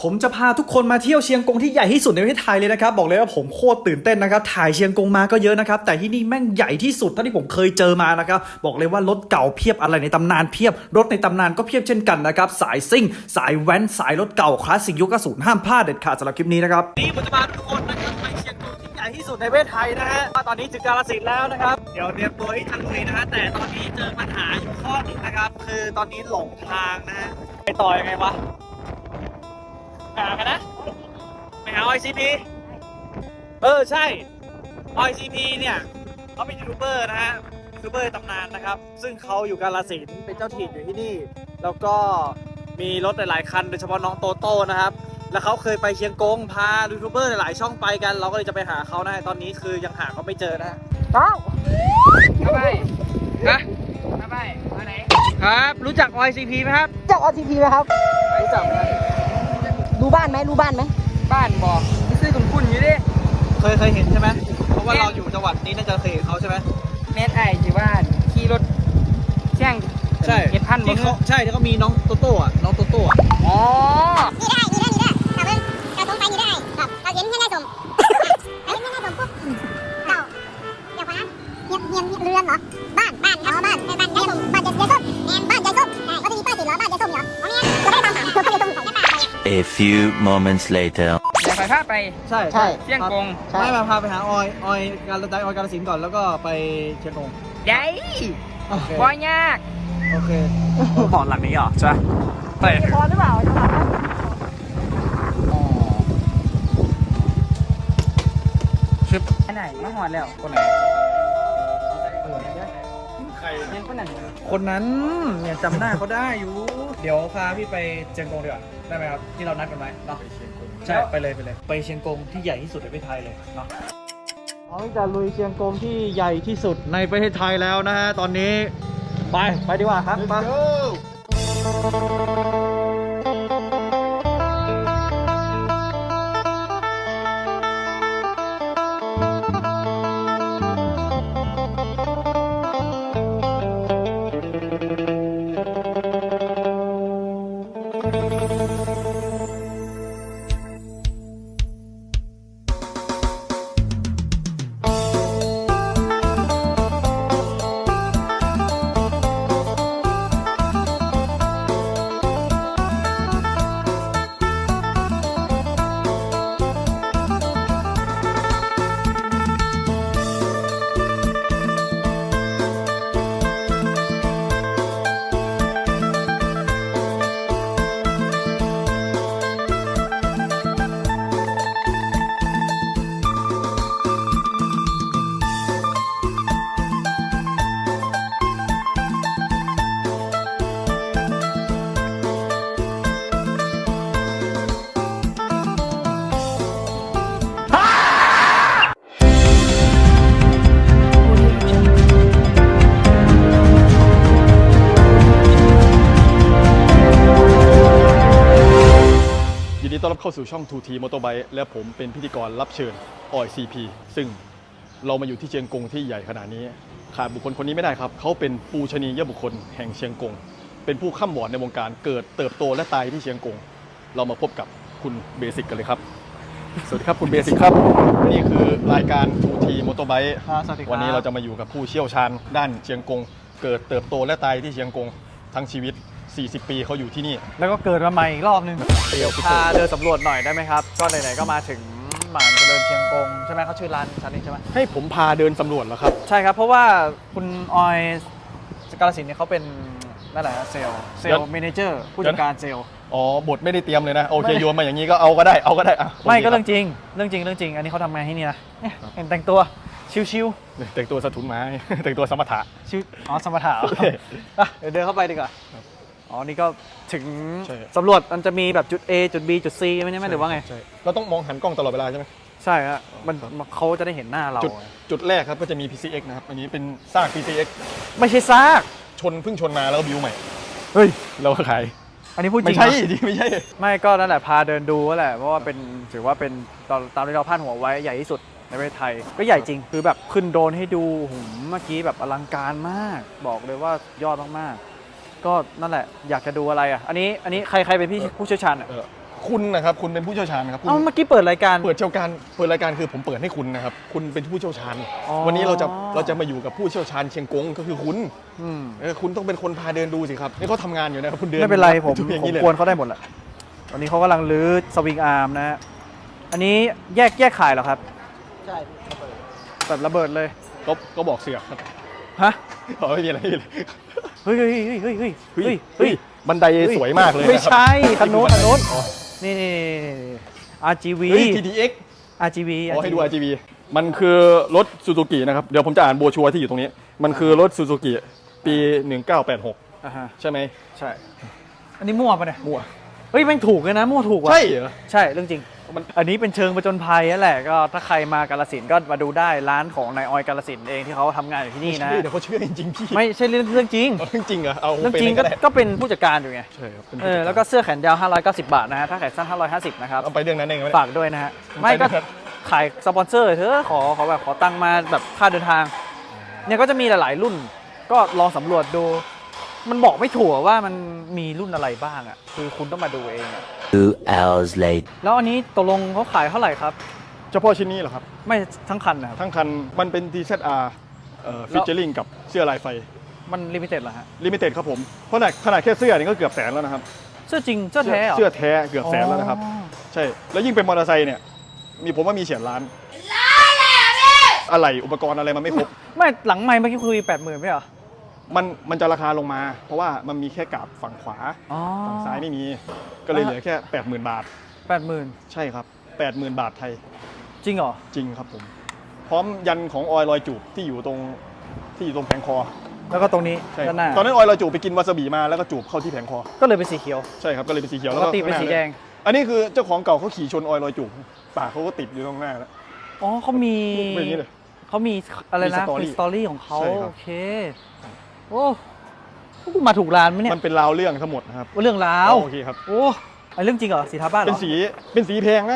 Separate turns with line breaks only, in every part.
ผมจะพาทุกคนมาเที่ยวเชียงกงที่ใหญ่ที่สุดในประเทศไทยเลยนะครับบอกเลยว่าผมโคตรตื่นเต้นนะครับถ่ายเชียงกงมาก็เยอะนะครับแต่ที่นี่แม่งใหญ่ที่สุดเท่าที่ผมเคยเจอมานะครับบอกเลยว่ารถเก่าเพียบอะไรในตำนานเพียบรถในตำนานก็เพียบเช่นกันนะครับสายซิ่งสายแว้นสายรถเก่าคลาสสิกยุค90ห้ามพลาดเด็ดขาดสำหรับคลิปนี้นะครับนี่ผมจะพาทุกคนนะครับไปเชียงกงที่ใหญ่ที่สุดในประเทศไทยนะฮะตอนนี้ถึงกาฬสินธุ์แล้วนะครับเดี๋ยวเตรียมตัวที่จะลุยนะฮะแต่ตอนนี้เจอปัญหาอยู่ข้อหนึ่งนะครับคือตอนนี้หลงทางนะฮะไปต่อยังไงวะหากันนะไปหา ICP ใช่ ICP เนี่ยเขาเป็นยูทูบเบอร์นะฮะยูทูบเบอร์ตำนานนะครับซึ่งเขาอยู่กาฬสินธุ์เป็นเจ้าถิ่นอยู่ที่นี่แล้วก็มีรถหลายๆคันโดยเฉพาะน้องโตโต้นะครับแล้วเขาเคยไปเชียงกงพายูทูบเบอร์หลายๆช่องไปกันเราก็เลยจะไปหาเขานะฮะตอนนี้คือยังหาเขาไม่เจอนะฮะอ้าวทำไมฮะทำไมมาไหนครับรู้จัก ICP ไหมครับ
จาก OTP ไหมครับ
รู้จักไหม
รู้บ้านไหมบ้านบอกไม่ซื้อคุณคุณอยู่ดิ
เคยเห็นใช่ไหมเพราะว่าเราอยู่จังหวัดนี้น่าจะเคยเห็นเขาใช่ไหม
แม่ไอ้ที่บ้านขี่รถแช่ง
ใช่
เอ็ดพัน
ที่เขาใช่ที่เขามีน้องโตโต้อะน้องโตโต้อะ
อ๋อ
นี่ได้แต่ว่าการสงสัยนี่ได้ครับเราเห็นแค่ได้สมเห็นแค่ได้สมปุ๊บเราเดี๋ยวก่อนนะเงียบเรือนเหรอบ้านครับบ้านยายส้มบ้านยายส้มแอนบ้านยายส้มใช่เขาจะมีป้ายติดเหรอบ้านยายส้มเหรออ๋อเนี่ยเราได้ตามหาเพื่อนยายส้มของยายป้า
A few moments later.
เดี๋ยวไปพาไป
ใช่
เชียงกง
ไม่มาพาไปหาออยกาฬสินธุ์ก่อนแล้วก็ไปเชียงกง
ได้
โอเค
บ่ยาก
โอเคหมอนหลังนี้เหรอใช่ไป
พอหรือเปล่า
ชิป
อันไหนมาหอดแล้ว
คนไหน ใคร
เห็นคนนั้น
คนนั้นเนี่ยจำหน้าเขาได้อยู่ เดี๋ยวพาพี่ไปเชียงกงดีกว่าได้ไหมครับที่เรานัดกันไว้เนาะใช่ไปเลยไปเชียงกงที่ใหญ่ที่สุดในประเทศไทยเลยเนาะเราจะลุยเชียงกงที่ใหญ่ที่สุดในประเทศไทยแล้วนะฮะตอนนี้ไปดีกว่าครับไป
ยินดีต้อนรับเข้าสู่ช่อง 2T Motorbike และผมเป็นพิธีกรรับเชิญออย CP ซึ่งเรามาอยู่ที่เชียงกงที่ใหญ่ขนาดนี้ขาดบุคคลคนนี้ไม่ได้ครับ เขาเป็นปูชนียบุคคลแห่งเชียงกง เป็นผู้ข้ามวอร์ดในวงการเกิดเติบโตและตายที่เชียงกง เรามาพบกับคุณเบสิกกันเลยครับ สวัสดีครับคุณเบสิกครับ นี่คือรายการ 2T Motorbike
สวัสดีครับ
วันนี้เราจะมาอยู่กับผู้เชี่ยวชาญด้านเชียงกง เกิดเติบโตและตายที่เชียงกงทั้งชีวิต 40 ปีเขาอยู่ที่นี่
แล้วก็เกิดมาใหม่อีกรอบนึงเดี๋ยวพาเดินสำรวจหน่อยได้ไหมครับก็ไหนๆก็มาถึงหมานเจริญเชียงกงใช่ไหมเขาชื่อร้านชั้นนี้ใช่ไหม
ให้ผมพาเดินสำรวจเหรอครับ
ใช่ครับเพราะว่าคุณออยกาฬสินธุ์เนี่ยเขาเป็นนั่นแหละเซลล์เมเนเจอร์ผู้จัดการเซลล์
อ๋อบทไม่ได้เตรียมเลยนะ โอเค
ไม่
โยนมาอย่างนี้ก็เอาก็ได้อ่ะ
ไม่ก็
โค
เรื่องจริงอันนี้เขาทำงานที่นี่นะเนี่ยเห็นแต่งตัวชิว
แต่งตัวสะทุนไม้ แต่งตัวสมถะ
ๆชิวอ๋อสมถะ
โอเค
อ่ะเดี๋ยวเดินเข้าไปดีกว่าอ๋อนี่ก็ถึง
ใช่
สำรวจมันจะมีแบบจุด A จุด B จุด C ไม่ใช่ไหมหรือว่าไง
ใช่เราต้องมองหันกล้องตลอดเวลาใช่ไหม
ใช่ครับเขาจะได้เห็นหน้าเรา
จุดแรกครับก็จะมี PCX นะครับ อันนี้เป็นซาก PCX
ไม่ใช่ซาก
เพิ่งชนมาแล้วก็บิวใหม่
เฮ้ย
เราก็ขาย
อันนี้พูดจริ
ไม่
ง
ใช่
เหรอ
ดิไม่ใช่
ไม่ก็นั่นแหละพาเดินดูก็แหละเพราะว่าเป็นถือว่าเป็นตามที่เราพาดหัวไว้ใหญ่ที่สุดในประเทศไทยก็ใหญ่จริงคือแบบขึ้นโดรนให้ดูหุ่มเมื่อกี้แบบอลังการมาก บอกเลยว่ายอดมากๆก็นั่นแหละอยากจะดูอะไรอ่ะอันนี้ใครเป็นพี่ผู้เชี่ยวชาญอ่ะ
คุณนะครับคุณเป็นผู้เชี่ยวชาญครับคุณ
เอ้าเมื่อกี้เปิดรายการ
เปิดรายการคือผมเปิดให้คุณนะครับคุณเป็นผู้เชี่ยวชาญ
อ๋อ
วันนี้เราจะมาอยู่กับผู้เชี่ยวชาญเชียงกงก็คือคุณคุณต้องเป็นคนพาเดินดูสิครับนี่เขาทำงานอยู่นะครับคุณเดิน
ไม่เป็นไรผม
อย่าง
ผม
นี้เลย
กวนเขาได้หมดแหละตอนนี้เขากำลังรื้อสวิงอาร์มนะฮะอันนี้แยกขายเหรอครับ
ใช่
แบบระเบิดเลย
ก็บอกเสือกครับ
ฮะ
อ๋อไม่มีอะไรไม่มีอะไร
เฮ้ยเฮ้ยเฮ้ยเฮ้ยเฮ้ยเฮ้ย
บันไดสวยมากเลย
ไม่
นะครับ
ใช่คันโน้นคันโน้น
อ๋อ
นี่RGV
เฮ้ย TTX
RGV
อ๋อให้ดู RGB มันคือรถซูซูกินะครับเดี๋ยวผมจะอ่านโบรชัวร์ที่อยู่ตรงนี้ มันคือรถซูซูกิปี 1986
อ่าฮะ
ใช่ไหม
ใช่ อันนี้มั่วปะเนี่ย
มั่ว
เฮ้ยแม่งถูกเลยนะมั่วถูกว่ะ
ใช่เหรอ
ใช่เรื่องจริง อันนี้เป็นเชิงประจนภัยนั่นแหละก็ถ้าใครมากาฬสินธุ์ก็มาดูได้ร้านของนายออยกาฬสินธุ์เองที่เขาทำงานอยู่ที่นี่นะ
ใช่เดี๋ยวเขาเชื่อจริงๆพี่
ไม่ใช่เรื่องจริง
เอาเรื่องจริงเหรอเอา
เรื่องจริง
ไปลยได้
ก็เป็นผู้จัดการอยู่ไง
ใช่ครับเป็น
แล้วก็เสื้อแขนยาว590 บาทนะฮะถ้าแขนสั้น550นะครับ
เอาไปเรื่องนั้นเองไหม
ฝากด้วยนะฮะไม่ก็ขายสปอนเซอร์เถอะขอแบบขอตังค์มาแบบค่าเดินทางเนี่ยก็จะมีหลายๆรุ่น ก็ลองสำรวจดู มันบอกไม่ถูกว่ามันมีรุ่นอะไรบ้างอ่ะคือคุณต้องมาดูเองอะ
2 hours later.
แล้วอันนี้ตกลงเขาขายเท่าไหร่ครับ
เฉพาะชิ้นนี้เหรอครับ
ไม่ทั้งคันนะครับ
ทั้งคันมันเป็น TZR ฟิชเชอริงกับเสื้อลายไฟ
มันลิมิเต็ดเหรอฮะ
ลิมิเต็ดครับผมเพราะขนาดแค่เสื้อนี่ก็เกือบแสนแล้วนะครับ
เสื้อจริงเสื้อแท้เหรอ
เสื้อแท้เกือบแสนแล้วนะครับ
อ๋อ
ใช่แล้วยิ่งเป็นมอเตอร์ไซค์เนี่ยผมว่ามีเฉียดล้านอะไรอุปกรณ์อะไรมันไม่ครบ
ไม่หลังไมค์เมื่อกี้คุย80,000ไม่เหรอ
มันจะราคาลงมา เพราะว่ามันมีแค่กาบฝั่งขวา
อ๋อ
ฝั่งซ้ายไม่มี ก็เลยเหลือแค่ 80,000 บาท
80,000
ใช่ครับ 80,000 บาทไทย
จริงเหรอ
จริงครับผม พร้อมยันของออยลอยจูบที่อยู่ตรงแผงคอ
แล้วก็ตรงนี้
ใช่
ด้านหน้า
ตอนนั้นออยลอยจูบไปกินวาซาบิมาแล้วก็จูบเข้าที่แผงคอ
ก็เลยเป็นสีเขียว
ใช่ครับก็เลยเป็นสีเขียว
ป
แล้ว
ก
ก็
ติเป็นสีแดง
อันนี้คือเจ้าของเก่าเขาขี่ชนออยลอยจูบปากเขาก็ติดอยู่ตรงหน้าแล้ว
อ๋อเขามี
เป็นอย่างนี้เลย
เขามีอะไรนะ
มี
มีสตอรี่ของเขา
ใช่ครับ
โอเคโอ้พวกกูมาถูกร้านไหมเนี่ย
มันเป็นราวเรื่องทั้งหมดนะครับ
ว่าเรื่องราว
โอเคครับ
โอ้ไอเรื่องจริงเหรอสีทาบ้านเหร
เป็
อน
สีแพงนะ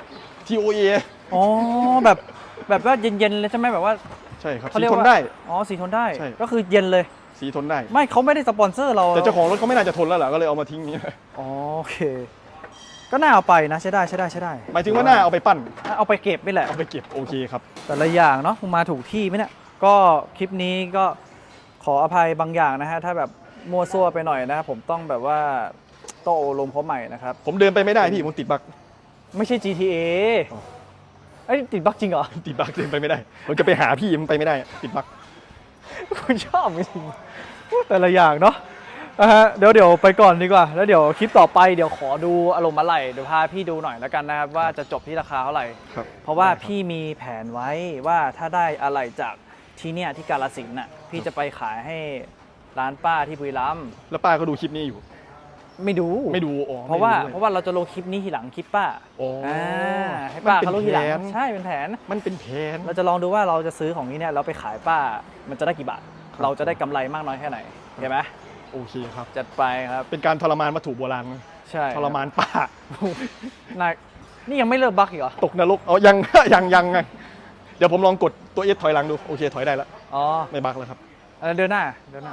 TOA
อ๋อแบบว่าเย็นๆเลยใช่ไหมแบบว่า
ใช่ครับ
เขา
สี
เรียก
ทน
ว่า
ได้
อ๋อสีทนได้
ใช่
ก็คือเย็นเลย
สีทนได้
ไม่เขาไม่ได้สปอนเซอร์เรา
แต่เจ้าของรถเขาไม่น่าจะทนแล้วล่ะก็เลยเอามาทิ้งนี้
อ๋อโอเค ก็น่าเอาไปนะใช้ได้
หมายถึงว่าหน้าเอาไปปั้น
เอาไปเก็บนี่แหละ
เอาไปเก็บโอเคครับ
แต่ละอย่างเนาะมึงมาถูกที่ไหมเนี่ยก็คลิปนี้ก็ขออภัยบางอย่างนะฮะถ้าแบบมั่วซั่วไปหน่อยนะผมต้องแบบว่าโต้ลมเขาใหม่นะครับ
ผมเดินไปไม่ได้พี่ผมติดบั๊ก
ไม่ใช่ GTA
อ๋อ
เอ้ยติดบั๊กจริงเหรอ
ติดบั๊กเดินไปไม่ได้ผมจะไปหาพี่มันไปไม่ได้ติดบั๊ก
คุณชอบจริงๆแต่ละอย่างเนาะเดี๋ยวไปก่อนดีกว่า แล้วเดี๋ยวคลิปต่อไปเดี๋ยวขอดูอารมณ์อะไรเดี๋ยวพาพี่ดูหน่อยแล้วกันนะครับว่าจะจบที่ราคาเท่าไหร่
ครับ
เพราะว่าพี่มีแผนไว้ว่าถ้าได้อะไรจากที่เนี่ยที่กาฬสินธุ์น่ะพี่จะไปขายให้ร้านป้าที่บุรีรัมย์
แล้วป้าก็ดูคลิปนี้อยู่
ไม่ดู
ไม่ดูอ๋อ
เพราะว่า
ไม่ดูด้วย
เพราะว่าเราจะลงคลิปนี้ทีหลังคลิปป้า
อ๋ออ่
ให้ป้า
มันเป็น
เขารู้ทีหลัง
แผน
ใช่เป็นแผน
มันเป็นแผน
เราจะลองดูว่าเราจะซื้อของนี้เนี่ยเราไปขายป้ามันจะได้กี่บาท
ครับ
เราจะได้กำไรมากน้อยแค่ไหนเห็นไหม
โอเคครับ
จัดไปครับ
เป็นการทรมานวัตถุโบราณนะ
ใช่
ทรมานป้า
นายนี่ยังไม่เลิกบักอีกเหรอ
ตกนรกเอายัง ยังไงเดี๋ยวผมลองกดตัวเอสถอยหลังดูโอเคถอยได้แล้ว
อ๋อ
ไม่บักแล้วครับ
เดินหน้า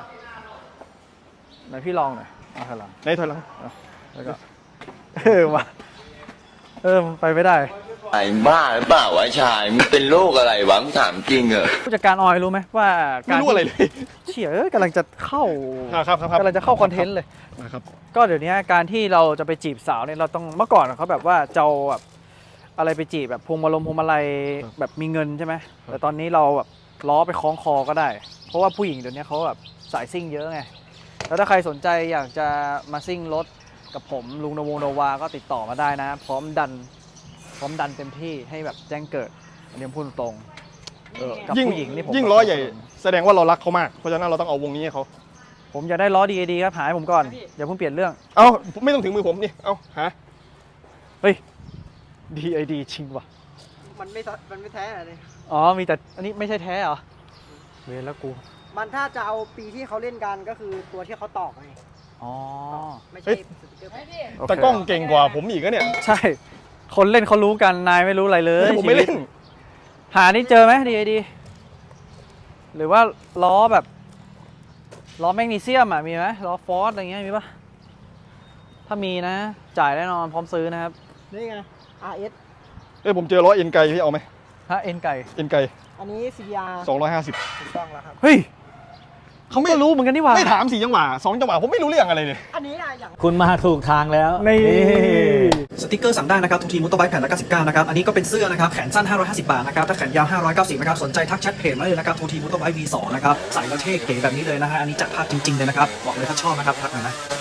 ไหนพี่ลองหน่อยเอาถอยหลัง
ในถอยหลัง
แล้วก็มาไปไม่ได้
ไอ้บ้าหรือเปล่าวะชายมึงเป็นโรคอะไรวะมึงถามจริงเหรอ
ผู้จัดการออยรู้ไหมว่า
ไม่รู้อะไรเลย
เชี่ยกำลังจะเข้า
ครับ
กำลังจะเข้าคอนเทนต์เลย
นะครับ
ก็เดี๋ยวนี้การที่เราจะไปจีบสาวเนี่ยเราต้องเมื่อก่อนเขาแบบว่าจะเอาแบบอะไรไปจีบแบบพวงมาลัยแบบมีเงินใช่ไหมแต่ตอนนี้เราแบบล้อไปคล้องคอก็ได้ เพราะว่าผู้หญิงเดี๋ยวนี้เขาแบบสายซิ่งเยอะไงแล้วถ้าใครสนใจอยากจะมาซิ่งรถกับผมลุงนวงโนวาก็ติดต่อมาได้นะ พร้อมดันเต็มที่ให้แบบแจ้งเกิดอันนี้ผมพูดตรง กับผู้หญิงนี่ผม
ยิ่งล้อใหญ่แสดงว่าเรารักเขามากเพราะฉะนั้นเราต้องเอาวงนี้ให้เขา
ผมอยากได้ล้อดีครับหาให้ผมก่อนอย่าเพิ่งเปลี่ยนเรื่อง
เอาไม่ต้องถึงมือผมนี่เอาหา
เฮ้ย DID จริงว่ะ
มันไม่แท้เลย
อ๋อ มีแต่อันนี้ไม่ใช่แท้เหรอ เวรแล้วกู
มันถ้าจะเอาปีที่เขาเล่นกันก็คือตัวที่เขาตอกไง
อ๋อ
ไม่ใช่สติ๊กเกอร์แผ่น
โอเค
แต่กล้องเก่งกว่าผมอีกนะเนี่ย
ใช่ คนเล่นเขารู้กัน นายไม่รู้อะไรเลย
ผมไม่เล่น
ชีวิตหานี่เจอไหม DID หรือว่าล้อแบบล้อแมกนีเซียมอ่ะ มีไหมล้อฟอสอะไรเงี้ยมีปะถ้ามีนะ จ่ายแน่นอนพร้อมซื้อนะครับ
นี่ไง RS
ผมเจอล้อเอ็นไกพี่เอาไหม
ถ้าเอ็นไก่
เอ็นไก
อันนี้ CBR
250
ถูกต้องแล้วครับ
เฮ้ยเขาก็รู้เหมือนกันนี่หว่า
ไม่ถาม4จังหวะ2จังหวะผมไม่รู้เรื่องอะไรเลย
อันนี้นะอย่าง
คุณมาถูกทางแล้ว
นี่สติกเกอร์สั่งได้นะครับทูทีมอเตอร์ไบค์แผ่นละ99นะครับอันนี้ก็เป็นเสื้อนะครับแขนสั้น550 บาทนะครับถ้าแขนยาว590นะครับสนใจทักแชทเพจมาเลยนะครับทูทีมอเตอร์ไบค์ V2 นะครับใส่แล้วเท่เก๋แบบนี้เลยนะฮะอันนี้จัดภาพจริงๆเลยนะครับบอกเลยถ้าชอบนะครับทักหน่อยนะ